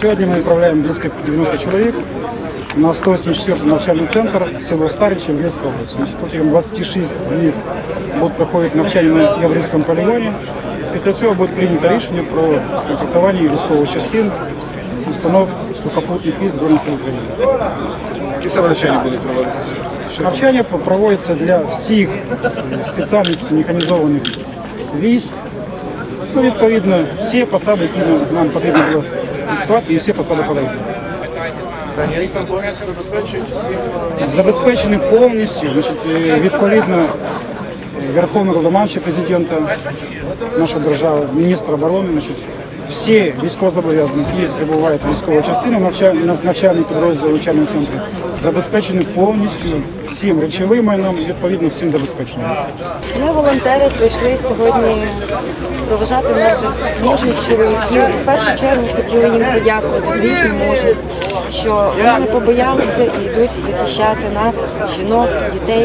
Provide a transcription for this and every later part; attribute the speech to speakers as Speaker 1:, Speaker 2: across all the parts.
Speaker 1: Сегодня мы отправляем близко 90 человек на 184-й навчальный центр село Старичи, Львівська область. Протягом 26 днів будуть проходити навчання на Яврівському полігоні. Після цього буде прийнято рішення про комплектування військових частин, установ сухопутних військ Збройних сил України.
Speaker 2: Які саме навчання будуть проводитися?
Speaker 1: Навчання проводиться для всіх спеціальностей механізованих військ. Ну, відповідно, всі посади, які нам потрібно було відкривати, і всі посади подають.
Speaker 2: Там повністю забезпечують всім?
Speaker 1: Забезпечені повністю, відповідно, Верховного Головнокомандувача президента нашої держави, міністра оборони, всі військовозобов'язані, які прибувають в військову частину навчальний підрозділ в навчальному центрі, забезпечені повністю всім речовим майном, відповідно всім забезпеченим.
Speaker 3: Ми, волонтери, прийшли сьогодні проважати наших мужніх чоловіків. В першу чергу хотіли їм подякувати за їхню мужність, що вони не побоялися і йдуть захищати нас, жінок, дітей.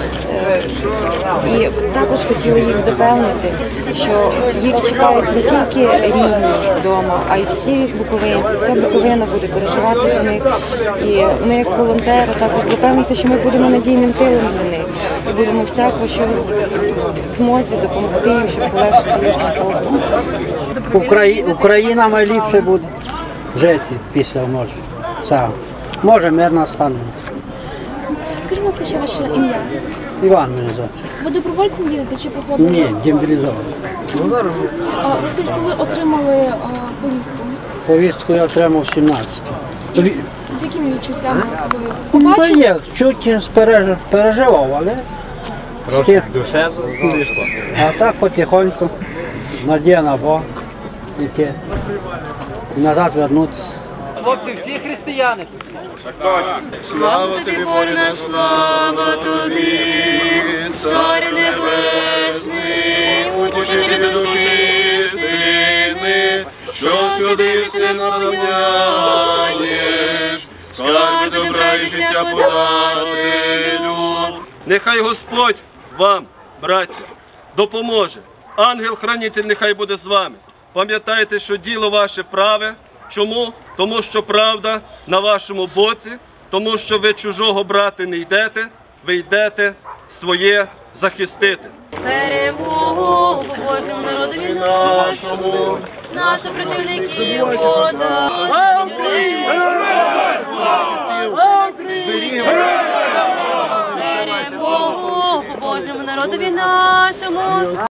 Speaker 3: І також хотіли їх запевнити, що їх чекають не тільки рідні вдома, а й всі буковинці, вся Буковина буде переживати за них. І ми, як волонтери, також запевнити, що ми будемо надійним тилом для них і будемо всяко, що в змозі допомогти їм, щоб полегшити їхній побут.
Speaker 4: Україна найліпше буде жити після може. Може мирно стане.
Speaker 5: Скажіть, будь ласка, що ваше ім'я?
Speaker 4: Іван мене звати.
Speaker 5: Ви добровольцем їдете чи проходили?
Speaker 4: Ні, демобілізований.
Speaker 5: Розкажіть, коли отримали повістку?
Speaker 4: Повістку я отримав 17-го.
Speaker 5: З якими відчуттями ви побачили?
Speaker 4: Є, чуть переживав, але а так потихоньку, надія на Бога, йти, і назад вернутися.
Speaker 6: Хлопці, всі християни.
Speaker 2: Слава тобі, Боже, слава тобі, Цар Небесний, утішитель душі істини, що всюди син наповняєш, скарби добра і життя подателю. Нехай Господь вам, браття, допоможе. Ангел-хранитель нехай буде з вами. Пам'ятайте, що діло ваше праве. Чому? Тому що правда на вашому боці, тому що ви чужого брати не йдете, ви йдете своє захистити.
Speaker 7: Перемогу Божому народові нашому, наших противників вода. Перемогу Божому народові нашому.